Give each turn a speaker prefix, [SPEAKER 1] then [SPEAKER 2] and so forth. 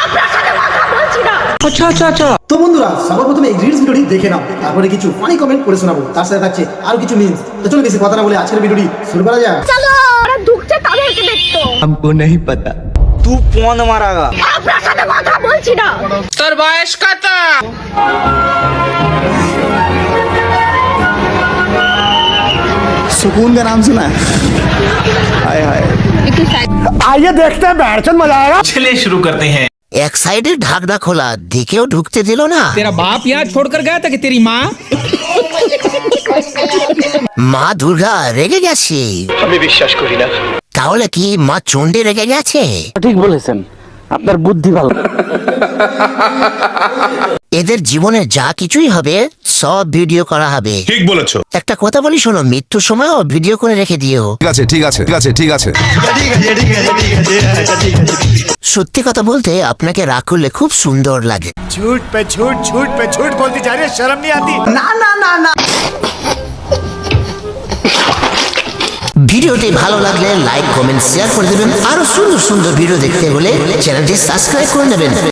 [SPEAKER 1] তো বন্ধুরা সবার প্রথমে এই রিলস ভিডিওটি দেখে নাও, তারপরে কিছু ফানি কমেন্ট করে শোনাবো, তার সাথে থাকছে আরো কিছু মিমস। তো চলো বেশি কথা না বলে আজকের ভিডিওটি শুরু করা যাক।
[SPEAKER 2] চলো ওরা ঢুকছে তাদেরকে দেখতো।
[SPEAKER 3] हमको नहीं पता।
[SPEAKER 4] तू कौन मारागा?
[SPEAKER 2] আপনার সাথে কথা বলছি না।
[SPEAKER 5] তোর বয়স কত?
[SPEAKER 4] सुकून का नाम सुना? हाय हाय।
[SPEAKER 1] आइए देखते हैं बैठचंद मजा आएगा।
[SPEAKER 5] चलिए शुरू करते हैं।
[SPEAKER 6] এক সাইডে ঢাকনা খোলা দেখেও ঢুকতে দিল না।
[SPEAKER 7] तेरा बाप यहाँ छोड़कर गया था कि तेरी माँ?
[SPEAKER 6] মা দুর্গা রেগে গেছে।
[SPEAKER 8] আমি বিশ্বাস করি না।
[SPEAKER 6] তাহলে কি মা চণ্ডী রেগে গেছে?
[SPEAKER 4] ঠিক বলেছেন, আপনার বুদ্ধি ভালো।
[SPEAKER 6] এদের জীবনে যা কিছুই হবে সব ভিডিও করা হবে।
[SPEAKER 8] ঠিক বলেছো।
[SPEAKER 6] একটা কথা বলি শোনো, মৃত্যুর সময়ও ভিডিও করে রেখে দিও।
[SPEAKER 8] ঠিক আছে ঠিক আছে ঠিক আছে ঠিক আছে।
[SPEAKER 6] সত্যি কথা বলতে আপনাকে রাগ করলে খুব সুন্দর লাগে।
[SPEAKER 9] झूठ पे झूठ बोलती जा रही है, शर्म नहीं आती?
[SPEAKER 6] ভিডিওটি ভালো লাগলে লাইক কমেন্ট শেয়ার করে দেবেন। আরো সুন্দর সুন্দর ভিডিও দেখতে হলে চ্যানেলটি সাবস্ক্রাইব করে নেবেন।